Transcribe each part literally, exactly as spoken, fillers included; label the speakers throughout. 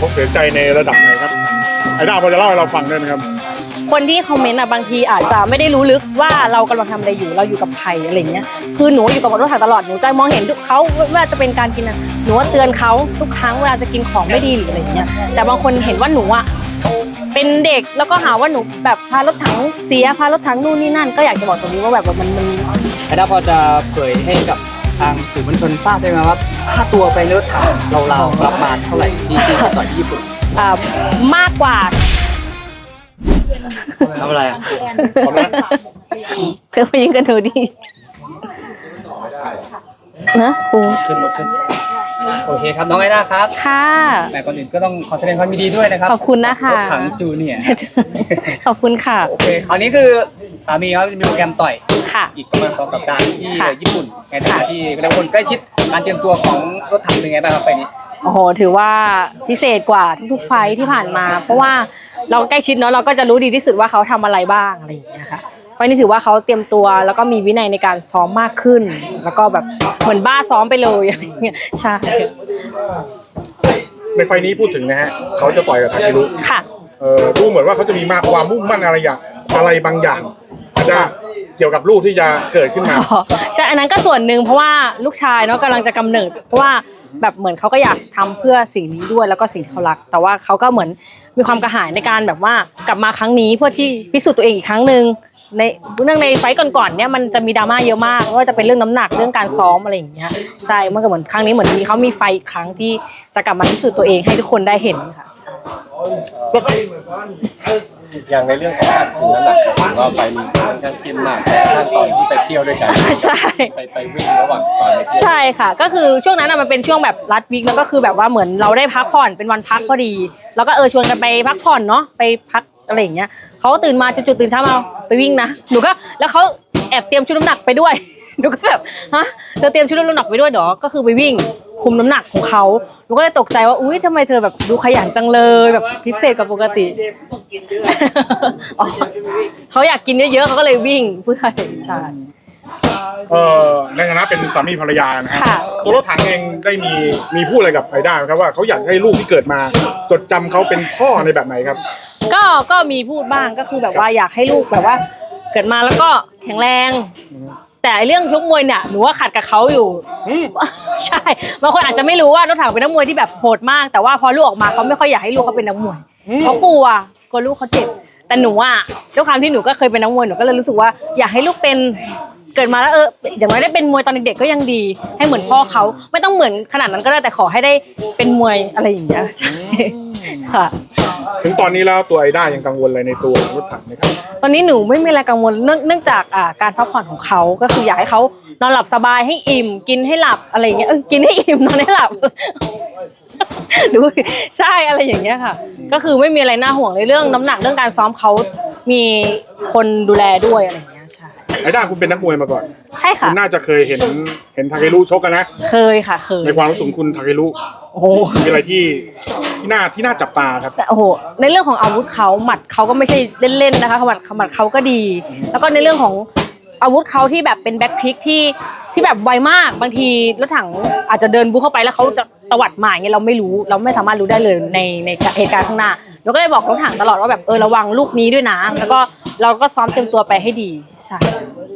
Speaker 1: เขาเสียใจในระดับไหนครับไอ้ด้าพอจะเล่าให้เราฟังได้ไหมครับ
Speaker 2: คนที่คอมเมนต์อ่ะบางทีอาจจะไม่ได้รู้ลึกว่าเรากำลังทำอะไรอยู่เราอยู่กับใครอะไรเงี้ยคือหนูอยู่กับรถถังตลอดหนูจะมองเห็นเขาว่าจะเป็นการกินหนูว่าเตือนเขาทุกครั้งเวลาจะกินของไม่ดีหรืออะไรเงี้ยแต่บางคนเห็นว่าหนูอ่ะเป็นเด็กแล้วก็หาว่าหนูแบบพารถถังเสียพารถถังนู่นนี่นั่นก็อยากจะบอกตรงนี้ว่าแบบมันมัน
Speaker 3: ไอ้ด้าพอจะเผยให้กับทางสื่อมวลชนทราบได้ไหมว่าค่าตัวไปรถถังเราๆประมาณเท่าไหร่ที่ที่ต่อยที่ญี่ปุ่น
Speaker 2: อ่ามากกว่า
Speaker 3: ทำอะไรอ่ะ
Speaker 2: เธอไปยิงกันหนูดินะปู
Speaker 3: ขึ้นรถขึ้นโอเคครับน้องไอด้าครับ
Speaker 2: ค่ะ
Speaker 3: แต่ก่อนอื่นก็ต้องขอแสดงความยินดีด้วยนะครับ
Speaker 2: ขอบคุณนะคะ
Speaker 3: รถถังจูเนียร์
Speaker 2: ขอบคุณค่ะ
Speaker 3: โอเคคราวนี้คือสามีเขาจะมีโปรแกรมต่อย
Speaker 2: ค่ะ
Speaker 3: อีกประมาณสองสัปดาห์ที่ญี่ปุ่นในฐานะที่เราคนใกล้ชิดการเตรียมตัวของรถถังเป็นไงบ้างครับไฟนี้
Speaker 2: โอ้โหถือว่าพิเศษกว่าทุกๆไฟที่ผ่านมาเพราะว่าเราใกล้ชิดเนาะเราก็จะรู้ดีที่สุดว่าเขาทำอะไรบ้างอะไรอย่างเงี้ยค่ะไฟนี้ถือว่าเขาเตรียมตัวแล้วก็มีวินัยในการซ้อมมากขึ้นแล้วก็แบบเหมือนบ้าซ้อมไปเลยอะไรเงี้ยใช่
Speaker 1: ในไฟนี้พูดถึงนะฮะเขาจะต่อยกับทาเครุ
Speaker 2: ค่ะ
Speaker 1: เออดูเหมือนว่าเขาจะมีมากความมุ่งมั่นอะไรอย่างอะไรบางอย่างอาจจะเกี่ยวกับลูกที่จะเกิดขึ้นมา
Speaker 2: ใช่อันนั้นก็ส่วนหนึ่งเพราะว่าลูกชายเนาะกำลังจะกำเนิดเพราะว่าแบบเหมือนเขาก็อยากทำเพื่อสิ่งนี้ด้วยแล้วก็สิ่งที่เขารักแต่ว่าเขาก็เหมือนมีความกระหายในการแบบว่ากลับมาครั้งนี้เพื่อที่พิสูจน์ตัวเองอีกครั้งหนึ่งในเรื่องในไฟต์ก่อนๆเนี่ยมันจะมีดราม่าเยอะมากว่าจะเป็นเรื่องน้ำหนักเรื่องการซ้อมอะไรอย่างเงี้ยใช่มันก็เหมือนครั้งนี้เหมือนมีเขามีไฟอีกครั้งที่จะกลับมาพิสูจน์ตัวเองให้ทุกคนได้เห็นค่ะ
Speaker 4: อย่างในเรื่องของการคุมน้ำหนักถือว่าไปมีค่อนข้างเข้มมากขั้นตอนที่ไปเที่ยวด้วยกัน
Speaker 2: ใช่
Speaker 4: ไปไปวิ่งระหว่างตอนไปเที่ยว
Speaker 2: ใช่ค่ะก็คือช่วงนั้นมันเป็นช่วงแบบรัดวิกแล้วก็คือแบบว่าเหมือนเราได้พักผ่อนเป็นวันพักพอดีแล้วก็เออชวนกันไปพักผ่อนเนาะไปพักอะไรอย่างเงี้ยเขาตื่นมาจุดๆตื่นเช้ามาไปวิ่งนะหนูก็แล้วเขาแอบเตรียมชุดน้ำหนักไปด้วยหนูก็แบบฮะเธอเตรียมชุดน้ำหนักไปด้วยเหรอก็คือไปวิ่งคุมน้ำหนักของเขาหนูก็เลยตกใจว่าอุ้ยทำไมเธอแบบดูขยันจังเลยแบบพิเศษกว่าปกติเขาอยากกินเยอะๆเขาก็เลยวิ่งเพื่อใช่
Speaker 1: เอ่อในฐานะเป็นสามีภรรยานะฮะตัวรถถังเองได้มีมีพูดอะไรกับไอด้าครับว่าเขาอยากให้ลูกที่เกิดมาจดจำเขาเป็นพ่อในแบบไหนครับ
Speaker 2: ก็ก็มีพูดบ้างก็คือแบบว่าอยากให้ลูกแบบว่าเกิดมาแล้วก็แข็งแรงแต่เรื่องชกมวยเนี่ยหนูว่าขัดกับเขาอยู่ใช่บางคนอาจจะไม่รู้ว่ารถถังเป็นนักมวยที่แบบโหดมากแต่ว่าพอลูกออกมาเขาไม่ค่อยอยากให้ลูกเขาเป็นนักมวยเขากลัวกลัวลูกเขาเจ็บแต่หนูอ่ะด้วยความที่หนูก็เคยเป็นนักมวยหนูก็เลยรู้สึกว่าอยากให้ลูกเป็นเกิดมาแล้วเอออย่างน้อยได้เป็นมวยตอนเด็กๆก็ยังดีให้เหมือนพ่อเขาไม่ต้องเหมือนขนาดนั้นก็ได้แต่ขอให้ได้เป็นมวยอะไรอย่างเงี้ยใช่ค่ะ
Speaker 1: ถึงตอนนี้แล้วตัวไอด้ายังกังวลอะไรในตัวรถถังไหมครับ
Speaker 2: ตอนนี้หนูไม่มีอะไรกังวลเนื่องเนื่องจากอ่าการพักผ่อนของเขาก็คืออยากให้เขานอนหลับสบายให้อิ่มกินให้หลับอะไรอย่างเงี้ยเออกินให้อิ่มนอนให้หลับดูใช่อะไรอย่างเงี้ยค่ะก็คือไม่มีอะไรน่าห่วงในเรื่องน้ำหนักเรื่องการซ้อมเขามีคนดูแลด้วยอะไรอย่างเงี้ยใช่
Speaker 1: ไอด้าคุณเป็นนักมวยมาก่อน
Speaker 2: ใช่ค่ะ
Speaker 1: คุณน่าจะเคยเห็นเห็นทาเครุชกกันนะ
Speaker 2: เคยค่ะเคย
Speaker 1: ในความรู้สึกคุณทาเครุ
Speaker 2: โอ้โห
Speaker 1: มีอะไรที่ที่น่าที่น่าจับตาครับ
Speaker 2: โอ้โหในเรื่องของอาวุธเขาหมัดเขาก็ไม่ใช่เล่นๆนะคะหมัดหมัดเขาก็ดีแล้วก็ในเรื่องของอาวุธเขาที่แบบเป็นแบ็คพลิกที่ที่แบบไวมากบางทีรถถังอาจจะเดินบุกเข้าไปแล้วเขาจะตวัดมาอย่างเงี้ยเราไม่รู้เราไม่สามารถรู้ได้เลยในในเหตุการณ์ข้างหน้าเราก็เลยบอกรถถังตลอดว่าแบบเออระวังลูกนี้ด้วยนะแล้วก็เราก็ซ้อมเต็มตัวไปให้ดีใช่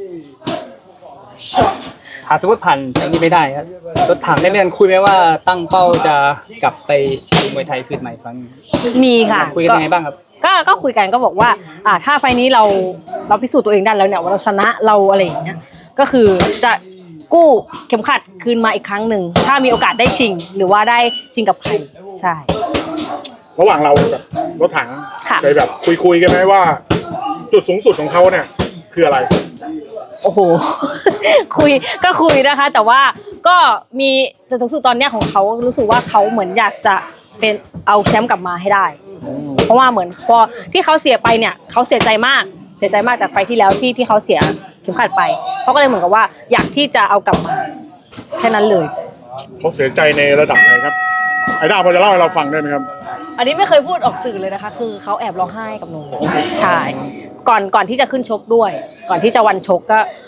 Speaker 3: หากสมมติผ่านอย่างนี้ไม่ได้ครับรถถังได้มีการคุยไหมว่าตั้งเป้าจะกลับไปชิงมวยไทยคืนใหม่ครั้ง
Speaker 2: มีค่ะ
Speaker 3: คุยกันยังไงบ้างครับ
Speaker 2: ก็ก็คุยกันก็บอกว่าอ่าถ้าไฟนี้เราเราพิสูจน์ตัวเองได้แล้วเนี่ยว่าเราชนะเราอะไรอย่างเงี้ยก็คือจะกู้เข็มขัดคืนมาอีกครั้งหนึ่งถ้ามีโอกาสได้ชิงหรือว่าได้ชิงกับใครใช่
Speaker 1: ระหว่างเรากับรถถังเคยแบบคุยคุยกันไหมว่าจุดสูงสุดของเขาเนี่ยคืออะไร
Speaker 2: โอ้โหคุยก็คุยนะคะแต่ว่าก็มีจุดสูงสุดตอนเนี้ยของเขารู้สึกว่าเขาเหมือนอยากจะเป็นเอาแชมป์กลับมาให้ได้เพราะว่าเหมือนพอที่เขาเสียไปเนี่ยเขาเสียใจมากเสียใจมากจากไฟที่แล้วที่ที่เขาเสียเข็มขัดไปเขาก็เลยเหมือนกับว่าอยากที่จะเอากลับมาแค่นั้นเลย
Speaker 1: เขาเสียใจในระดับไหนครับไอด้าพอจะเล่าให้เราฟังได้ไหมครับ
Speaker 2: อันนี้ไม่เคยพูดออกสื่อเลยนะคะคือเขาแอบร้องไห้กับหนูใช่ก่อนก่อนที่จะขึ้นชกด้วยก่อนที่จะวันชกก็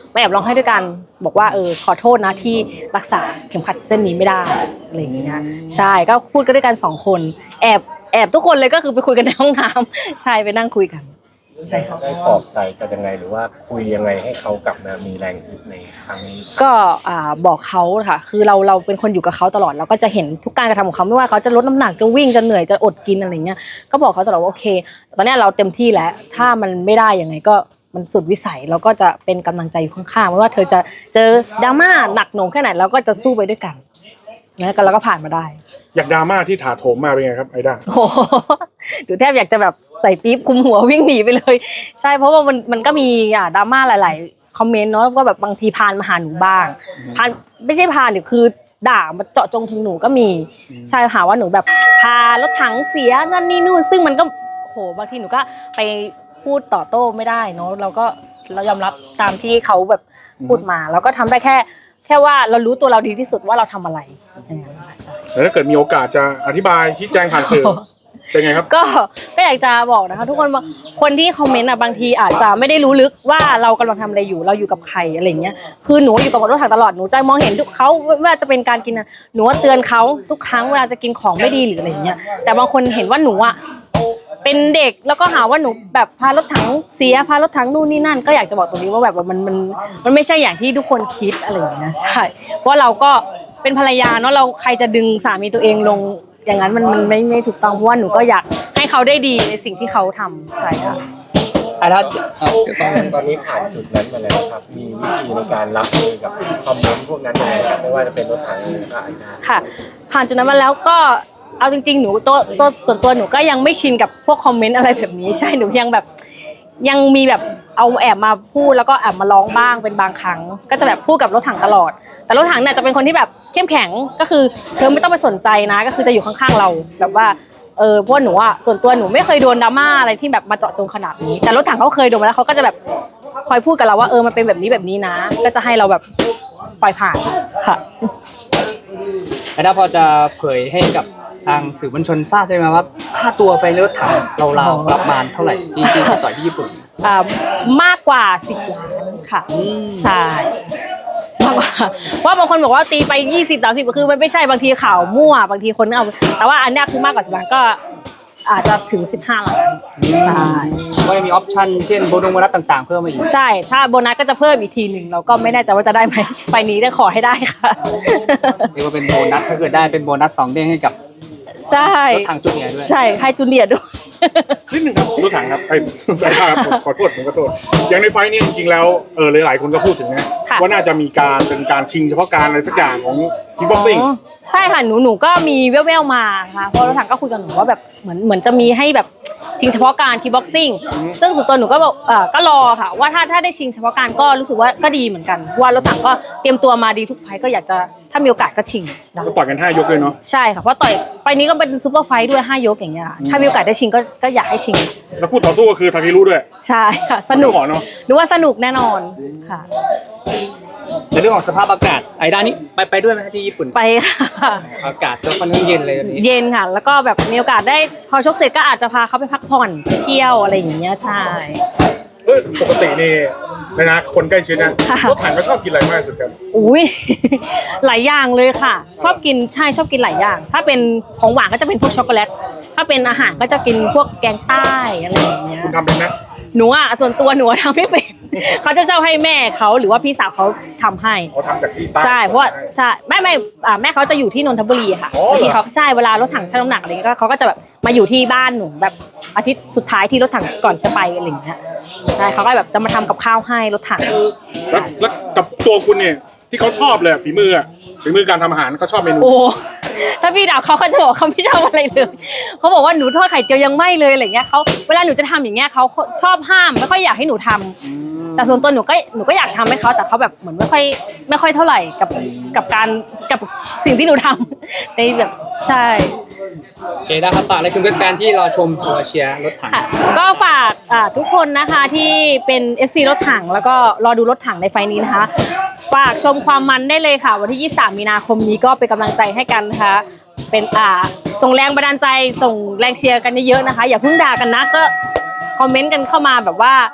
Speaker 2: ไปแอบร้องไห้ด้วยกันบอกว่าเออขอโทษนะที่รักษาเข็มขัดเส้นนี้ไม่ได้อะไรอย่างเงี้ยใช่ก็พูดกันด้วยกันสองคนแอบแอบทุกคนเลยก็คือไปคุยกันในห้องน้ำใช่ไปนั่งคุยกันใช่ค่ะ
Speaker 4: ได้ปลอบใจกันยังไงหรือว่าคุยยังไงให้เขากลับมามีแรงฮึดในครั้งนี้
Speaker 2: ก็อ่าบอกเขาค่ะคือเราเราเป็นคนอยู่กับเขาตลอดเราก็จะเห็นทุกการกระทำของเขาไม่ว่าเขาจะลดน้ำหนักจะวิ่งจะเหนื่อยจะอดกินอะไรเงี้ยก็บอกเขาตลอดว่าโอเคตอนนี้เราเต็มที่แล้วถ้ามันไม่ได้ยังไงก็มันสุดวิสัยเราก็จะเป็นกำลังใจอยู่ข้างๆไม่ว่าเธอจะเจอดราม่าหนักหน่วงแค่ไหนเราก็จะสู้ไปด้วยกันนะก็เราก็ผ่านมาได้
Speaker 1: อยากดราม่าที่ถาโถมมาเป็นไงครับไอด้า
Speaker 2: โอ้โหดูแทบอยากจะแบบใส่ปี๊บคุมหัววิ่งหนีไปเลยใช่เพราะว่ามันมันก็มีอ่าดราม่าหลายๆคอมเมนต์เนาะก็แบบบางทีพานมาหาหนูบ้างพานไม่ใช่พานเดี๋ยวคือด่ามาเจาะจงถึงหนูก็มีใช่หาว่าหนูแบบพารถถังเสียนั่นนี่นู่นซึ่งมันก็โหบางทีหนูก็ไปพูดต่อโต้ไม่ได้เนาะเราก็เรายอมรับตามที่เขาแบบพูดมาเราก็ทำได้แค่แค่ว่าเรารู้ตัวเราดีที่สุดว่าเราทำอะไร
Speaker 1: แล้วถ้าเกิดมีโอกาสจะอธิบายชี้แจงผ่านสื่อเป็นไงครับ
Speaker 2: ก็ก็อยากจะบอกนะคะทุกคนคนที่คอมเมนต์อ่ะบางทีอาจจะไม่ได้รู้ลึกว่าเรากำลังทำอะไรอยู่เราอยู่กับใครอะไรเงี้ยคือหนูอยู่กับรถถังตลอดหนูจะมองเห็นทุกเขาว่าจะเป็นการกินหนูว่าเตือนเขาทุกครั้งเวลาจะกินของไม่ดีหรืออะไรเงี้ยแต่บางคนเห็นว่าหนูอ่ะเป็นเด็กแล้วก็หาว่าหนูแบบพารถถังเสียพารถถังนู่นนี่นั่นก็อยากจะบอกตรงนี้ว่าแบบมันมันมันไม่ใช่อย่างที่ทุกคนคิดอะไรอย่างเงี้ยใช่เพราะเราก็เป็นภรรยาเนาะเราใครจะดึงสามีตัวเองลงอย่างนั้นมันมันไม่ไม่ถูกต้องเพราะว่าหนูก็อยากให้เขาได้ดีในสิ่งที่เขาทำใช่ค่ะ
Speaker 3: อ่ะถ้า
Speaker 4: ตอนนี้ผ่านจุดนั้นมาแล้วครับมีวิธีในการรับมือกับคอมเมนต์พวกนั้นยังไงครับไม่ว่าจะเป็นรถถังหรือว่าไอ้นา
Speaker 2: ค่ะผ่านจุดนั้นมาแล้วก็เอาจริงๆหนูตัวตัวส่วนตัวหนูก็ยังไม่ชินกับพวกคอมเมนต์อะไรแบบนี้ใช่หนูยังแบบยังมีแบบเอาแอบมาพูดแล้วก็แอบมาร้องบ้างเป็นบางครั้งก็จะแบบพูดกับรถถังตลอดแต่รถถังเนี่ยจะเป็นคนที่แบบเข้มแข็งก็คือเธอไม่ต้องไปสนใจนะก็คือจะอยู่ข้างๆเราแบบว่าเออเพราะหนูอ่ะส่วนตัวหนูไม่เคยโดนดราม่าอะไรที่แบบมาเจาะจงขนาดนี้แต่รถถังเขาเคยโดนมาแล้วเขาก็จะแบบคอยพูดกับเราว่าเออมันเป็นแบบนี้แบบนี้นะก็จะให้เราแบบปล่อยผ่านค่ะ
Speaker 3: แล้วถ้าพอจะเผยให้กับทางสื่อมวลชนทราบได้ไหมว่าค่าตัวไฟรถถังเราเราประมาณเท่าไหร่ที่ที่ต่อยที่ญี่ปุ่น
Speaker 2: อ่ามากกว่าสิบล้านค่ะใช่มากกว่าว่าบางคนบอกว่าตีไปยี่สิบ สามสิบก็คือมันไม่ใช่บางทีข่าวมั่วบางทีคนเอาแต่ว่าอันนี้คือมากกว่าสิบล้านก็อาจจะถึงสิบห้าล้านใช่
Speaker 3: ก็จะมีออปชั่นเช่นโบนัสโบนัสต่างๆเพิ่มมาอีก
Speaker 2: ใช่ถ้าโบนัสก็จะเพิ่มอีกทีหนึ่งเราก็ไม่แน่ใจว่าจะได้ไหมไปนี้ได้ขอให้ได้ค่ะ
Speaker 3: เรียกว่าเป็นโบนัสถ้าเกิดได้เป็นโบนัสสองเด้งให้กับ
Speaker 2: ใช่
Speaker 3: รถถังจูเนียร์ด้วย
Speaker 2: ใช่ให้จูเนียร์ด้วย
Speaker 1: นิดนึงครับรถถังครับไอ้ไอ้ครับขอโทษผมขอโทษอย่างในไฟนี้จริงๆแล้วเออหลายๆคนก็พูดถึงนะว่าน่าจะมีการเป็นการชิงเฉพาะการอะไรสักอย่างของคิกบ็อกซิ่ง
Speaker 2: ใช่ค่ะหนูหนูก็มีแว่วๆมาค่ะเพราะรถถังก็คุยกับหนูว่าแบบเหมือนเหมือนจะมีให้แบบชิงเฉพาะการคิกบ็อกซิ่งซึ่งส่วนตัวหนูก็บอกเออก็รอค่ะว่าถ้าถ้าได้ชิงเฉพาะการก็รู้สึกว่าก็ดีเหมือนกันว่ารถถังก็เตรียมตัวมาดีทุกไฟก็อยากจะถ้ามีโอกาสก็ชิง
Speaker 1: ก็ต่อยกันห้ายกเลยเนาะ
Speaker 2: ใช่ค่ะเพราะต่อยไฟนี้ก็เป็นซูเปอร์ไฟด้วยห้ายกอย่างเงี้ยถ้ามีโอกาสได้ชิงก็ก็อยากให้ชิง
Speaker 1: แล้วคู่ต่อสู้ก็คือทาคิรุด้วย
Speaker 2: ใช่ค่ะสนุกเนาะหนูว่าสนุกแน่นอนค่ะ
Speaker 3: ในเรื่องของสภาพอากาศไอ้ด้านนี้ไปไปด้วยไหมที่ญี่ปุ่น
Speaker 2: ไปค่ะ
Speaker 3: อากาศก็ค่อนข้างเย็นเลยตอนนี้
Speaker 2: เย็นค่ะแล้วก็แบบมีโอกาสได้พอชกเสร็จก็อาจจะพาเขาไปพักผ่อนไปเที่ยวอะไรอย่างเงี้ยใช่
Speaker 1: เออปกตินี่นะคนใกล้ชิดนะรถถังก็ชอบกินอะไรมากสุดครับ
Speaker 2: อุ้ยหลายอย่างเลยค่ะชอบกินใช่ชอบกินหลายอย่างถ้าเป็นของหวานก็จะเป็นพวกช็อกโกแลตถ้าเป็นอาหารก็จะกินพวกแกงใต้อะไรอย่างเงี้ย
Speaker 1: คุณทำเป็นไหม
Speaker 2: หนูอ่ะส่วนตัวหนูทำไม่เป็นเขาจะชอบให้แม่เขาหรือว่าพี่สาวเขาทำให้
Speaker 1: เขาทำจากที่ใต้
Speaker 2: ใช่เพราะว่าใช่แม่แม่แม่เขาจะอยู่ที่นนทบุรีค่ะที่เขาใช่เวลารถถังชั่งน้ำหนักอะไรเงี้ยเขาก็จะแบบมาอยู่ที่บ้านหนูแบบอาทิตย์สุดท้ายที่รถถังก่อนจะไปอะไรอย่างเงี้ยใช่เขาก็แบบจะมาทำกับข้าวให้รถถัง
Speaker 1: แล้วแล้วกับตัวคุณเนี่ยที่เขาชอบเลยฝีมืออ่ะฝีมือการทำอาหารเขาชอบเมนู
Speaker 2: โอ้ถ้าพี่ดาวเขาเขาจะบอกเขาไม่ชอบอะไรเลยเขาบอกว่าหนูทอดไข่เจียวยังไม่เลยอะไรเงี้ยเขาเวลาหนูจะทำอย่างเงี้ยเขาชอบห้ามไม่ค่อยอยากให้หนูทำแต่ส่วนตัวหนูก็หนูก็อยากทำให้เขาแต่เขาแบบเหมือนไม่ค่อยไม่ค่อยเท่าไหร่กับกับการกับสิ่งที่หนูทำในแบบใช่
Speaker 3: โอเคได้ครับฝากอะไรถึงแฟนๆที่รอชมตัวเชียร์รถถัง
Speaker 2: ก็ฝากทุกคนนะคะที่เป็น เอฟ ซี รถถังแล้วก็รอดูรถถังในไฟนี้นะคะฝากชมความมันได้เลยค่ะวันที่ยี่สิบสามมีนาคมนี้ก็เป็นกำลังใจให้กันนะคะเป็นอ่าส่งแรงบันดาลใจส่งแรงเชียร์กันเยอะๆนะคะอย่าเพิ่งด่ากันนะก็คอมเมนต์กันเข้ามาแบบว่า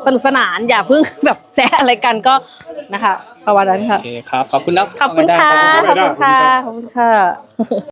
Speaker 2: สนุกสนานอย่าเพิ่งแบบแซะอะไรกันก็นะคะประมาณนั้นค่ะ
Speaker 3: โอเคครับขอบคุณนะ
Speaker 2: ขอบคุณค่ะ
Speaker 1: ขอบคุณ
Speaker 2: ขอบคุณค่ะ
Speaker 1: ครับ
Speaker 2: ขอบคุณค่ะ